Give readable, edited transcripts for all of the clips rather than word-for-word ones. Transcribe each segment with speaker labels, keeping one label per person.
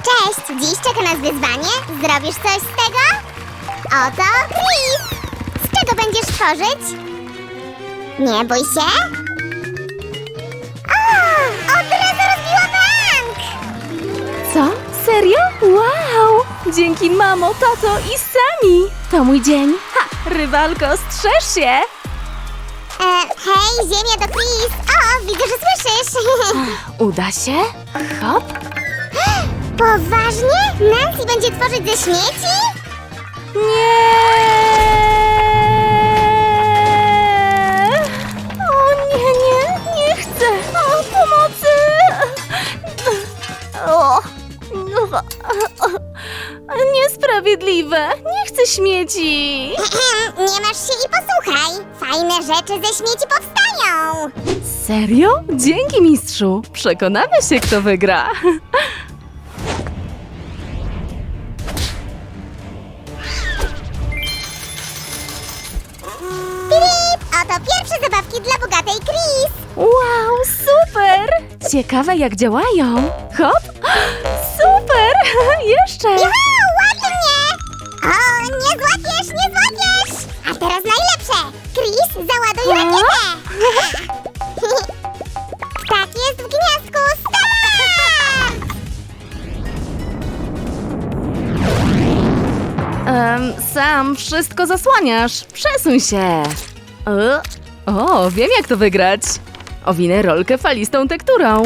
Speaker 1: Cześć! Dziś czeka nas wyzwanie. Zrobisz coś z tego? Oto Chris! Z czego będziesz tworzyć? Nie bój się. O! Od razu rozbiła bank!
Speaker 2: Co? Serio? Wow! Dzięki mamo, tato i Sami! To mój dzień. Ha! Rywalko, strzeż się!
Speaker 1: Hej, ziemia to Chris! O, widzę, że słyszysz!
Speaker 2: Uda się? Hop!
Speaker 1: Poważnie? Nancy będzie tworzyć ze śmieci?
Speaker 2: Nie! O nie chcę! O, pomocy! O! Niesprawiedliwe! Nie chcę śmieci!
Speaker 1: Nie masz się i posłuchaj! Fajne rzeczy ze śmieci powstają!
Speaker 2: Serio? Dzięki, mistrzu! Przekonamy się, kto wygra!
Speaker 1: Filip! Oto pierwsze zabawki dla bogatej Chris!
Speaker 2: Wow, super! Ciekawe, jak działają. Hop! Super! Jeszcze!
Speaker 1: Juhu! Ładnie! O, nie złapiesz, nie złapiesz! A teraz najlepsze! Chris, załaduj rakietę! Tak jest w gniazdku! Start!
Speaker 2: Sam wszystko zasłaniasz. Przesuń się. O, wiem, jak to wygrać. Owinę rolkę falistą tekturą.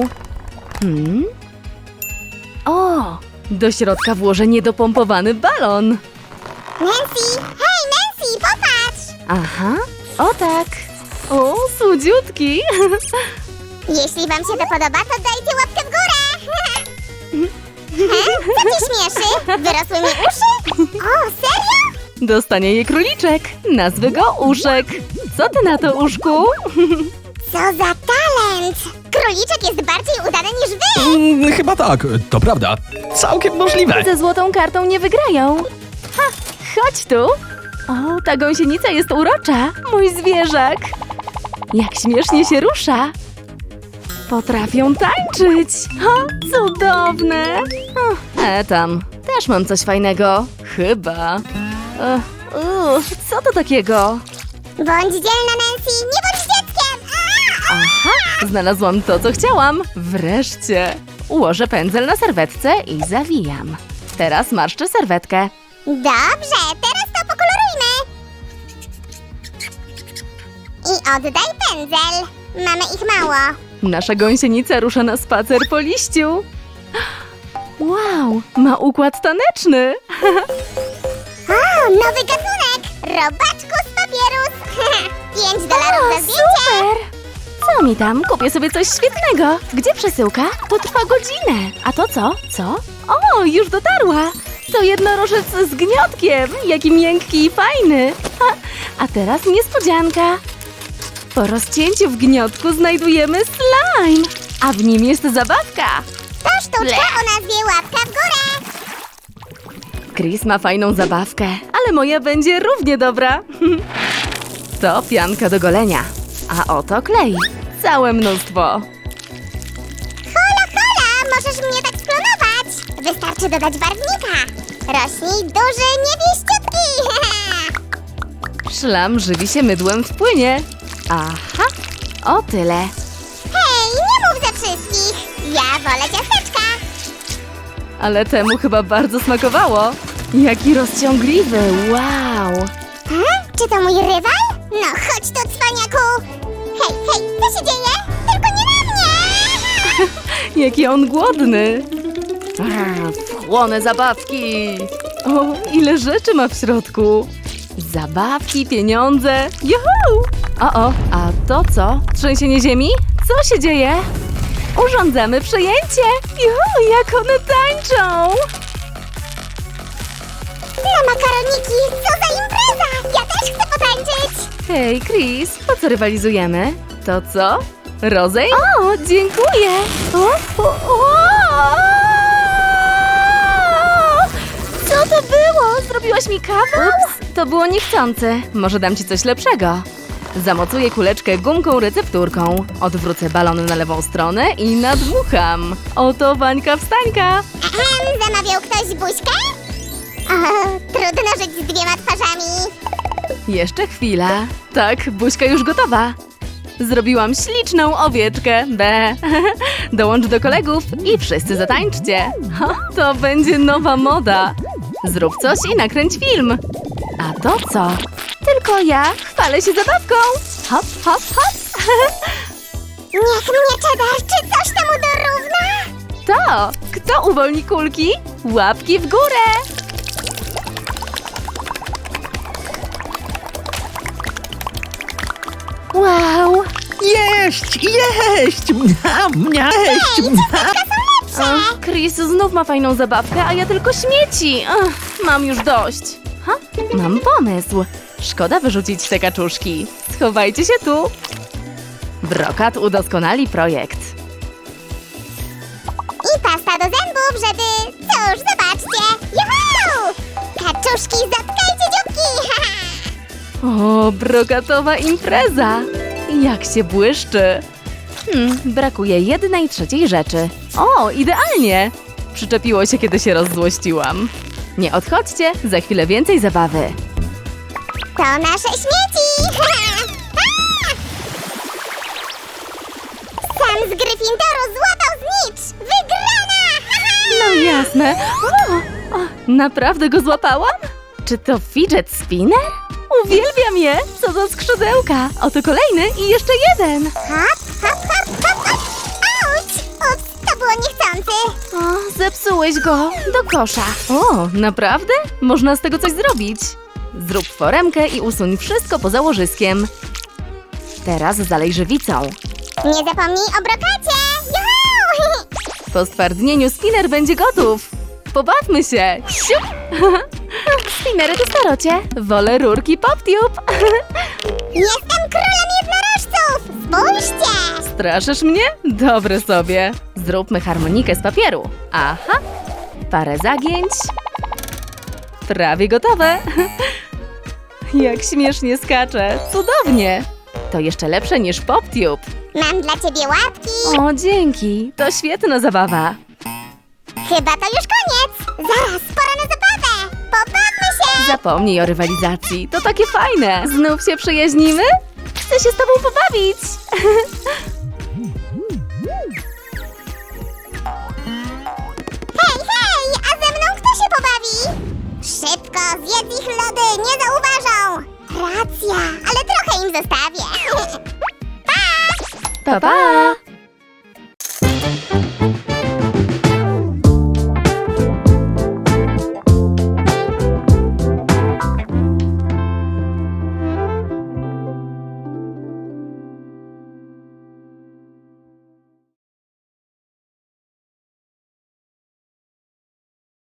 Speaker 2: O, do środka włożę niedopompowany balon.
Speaker 1: Nancy! Hej, Nancy, popatrz!
Speaker 2: Aha, o tak. O, słodziutki.
Speaker 1: Jeśli wam się to podoba, to dajcie łapkę w górę! Co ci śmieszy? Wyrosły mi uszy? O, serio?
Speaker 2: Dostanie je króliczek. Nazwy go Uszek. Co ty na to, Uszku?
Speaker 1: Co za talent! Króliczek jest bardziej udany niż wy!
Speaker 3: Chyba tak, to prawda. Całkiem możliwe.
Speaker 2: Ze złotą kartą nie wygrają. Ha, chodź tu. O, ta gąsienica jest urocza. Mój zwierzak. Jak śmiesznie się rusza. Potrafią tańczyć. O, cudowne. Tam, też mam coś fajnego. Chyba. Co to takiego?
Speaker 1: Bądź dzielna, Nancy! Nie bądź dzieckiem!
Speaker 2: Aha, znalazłam to, co chciałam. Wreszcie. Ułożę pędzel na serwetce i zawijam. Teraz marszczę serwetkę.
Speaker 1: Dobrze, teraz to pokolorujmy! I oddaj pędzel! Mamy ich mało.
Speaker 2: Nasza gąsienica rusza na spacer po liściu. Wow, ma układ taneczny.
Speaker 1: O, nowy gatunek! Robaczkus papierus! $5 za zdjęcie!
Speaker 2: Super! Co mi tam? Kupię sobie coś świetnego. Gdzie przesyłka? To trwa godzinę. A to co? Co? O, już dotarła. To jednorożec z gniotkiem. Jaki miękki i fajny. A teraz niespodzianka. Po rozcięciu w gniotku znajdujemy slime. A w nim jest zabawka.
Speaker 1: To sztuczka o nazwie łapka w górę!
Speaker 2: Chris ma fajną zabawkę, ale moja będzie równie dobra. To pianka do golenia. A oto klej. Całe mnóstwo.
Speaker 1: Hola, hola! Możesz mnie tak sklonować! Wystarczy dodać barwnika! Rośnij duży, niebieściutki!
Speaker 2: Szlam żywi się mydłem w płynie. Aha, o tyle.
Speaker 1: Hej, nie mów za wszystkich! Ja wolę ciasteczka!
Speaker 2: Ale temu chyba bardzo smakowało. Jaki rozciągliwy, wow.
Speaker 1: Czy to mój rywal? No chodź tu, cwaniaku! Hej, hej, co się dzieje? Tylko nie na mnie!
Speaker 2: Jaki on głodny. Wchłonę zabawki. O, ile rzeczy ma w środku. Zabawki, pieniądze. Juhu! O, a to co? Trzęsienie ziemi? Co się dzieje? Urządzamy przejęcie. Juhu, jak one tańczą.
Speaker 1: Na makaroniki, co za impreza! Ja też chcę potańczyć!
Speaker 2: Hej, Chris, po co rywalizujemy? To co? Rozejm? O, dziękuję! Co to było? Zrobiłaś mi kawał? Ups, to było niechcący. Może dam ci coś lepszego. Zamocuję kuleczkę gumką recepturką. Odwrócę balon na lewą stronę i nadmucham. Oto Wańka wstańka.
Speaker 1: Zamawiał ktoś buźkę? O, trudno żyć z dwiema twarzami.
Speaker 2: Jeszcze chwila. Tak, buźka już gotowa. Zrobiłam śliczną owieczkę. Be. Dołącz do kolegów i wszyscy zatańczcie. Ha, to będzie nowa moda. Zrób coś i nakręć film. A to co? Tylko ja chwalę się zabawką. Hop, hop, hop.
Speaker 1: Niech mnie Cheddar, czy coś temu dorówna?
Speaker 2: To, kto uwolni kulki? Łapki w górę. Wow.
Speaker 3: Jeść! Jeść! Mniam, jeść!
Speaker 2: Ach, Chris znów ma fajną zabawkę, a ja tylko śmieci. Ach, mam już dość. Ha? Mam pomysł. Szkoda wyrzucić te kaczuszki. Schowajcie się tu. Brokat udoskonali projekt.
Speaker 1: I pasta do zębów, żeby... Cóż, zobaczcie! Juhu! Kaczuszki, zatkajcie dzióbki!
Speaker 2: O, brokatowa impreza. Jak się błyszczy. Brakuje 1/3 rzeczy. O, idealnie. Przyczepiło się, kiedy się rozzłościłam. Nie odchodźcie, za chwilę więcej zabawy.
Speaker 1: To nasze śmieci! Sam z Gryffindoru złapał znicz! Wygrana!
Speaker 2: No jasne. O, naprawdę go złapałam? Czy to fidget spinner? Uwielbiam je! Co za skrzydełka! Oto kolejny i jeszcze jeden!
Speaker 1: Hop, hop, hop, hop, hop! Auć! Ups, to było niechcący!
Speaker 2: O, zepsułeś go! Do kosza! O, naprawdę? Można z tego coś zrobić! Zrób foremkę i usuń wszystko poza łożyskiem. Teraz zalej żywicą.
Speaker 1: Nie zapomnij o brokacie! Juhu!
Speaker 2: Po stwardnieniu spinner będzie gotów! Pobawmy się! Siup! Spinnery to starocie! Wolę rurki PopTube!
Speaker 1: Jestem królem jednorożców! Spójrzcie!
Speaker 2: Straszysz mnie? Dobre sobie! Zróbmy harmonikę z papieru. Aha! Parę zagięć. Prawie gotowe! Jak śmiesznie skacze! Cudownie! To jeszcze lepsze niż PopTube.
Speaker 1: Mam dla ciebie łapki!
Speaker 2: O, dzięki! To świetna zabawa!
Speaker 1: Chyba to już koniec! Zaraz, pora na zabawę! Pobawmy się!
Speaker 2: Zapomnij o rywalizacji, to takie fajne! Znów się przyjaźnimy? Chcę się z tobą pobawić!
Speaker 1: Hej, hej! A ze mną kto się pobawi? Szybko, zjedz ich lody, nie zauważą! Racja, ale trochę im zostawię. Pa!
Speaker 2: Pa, pa!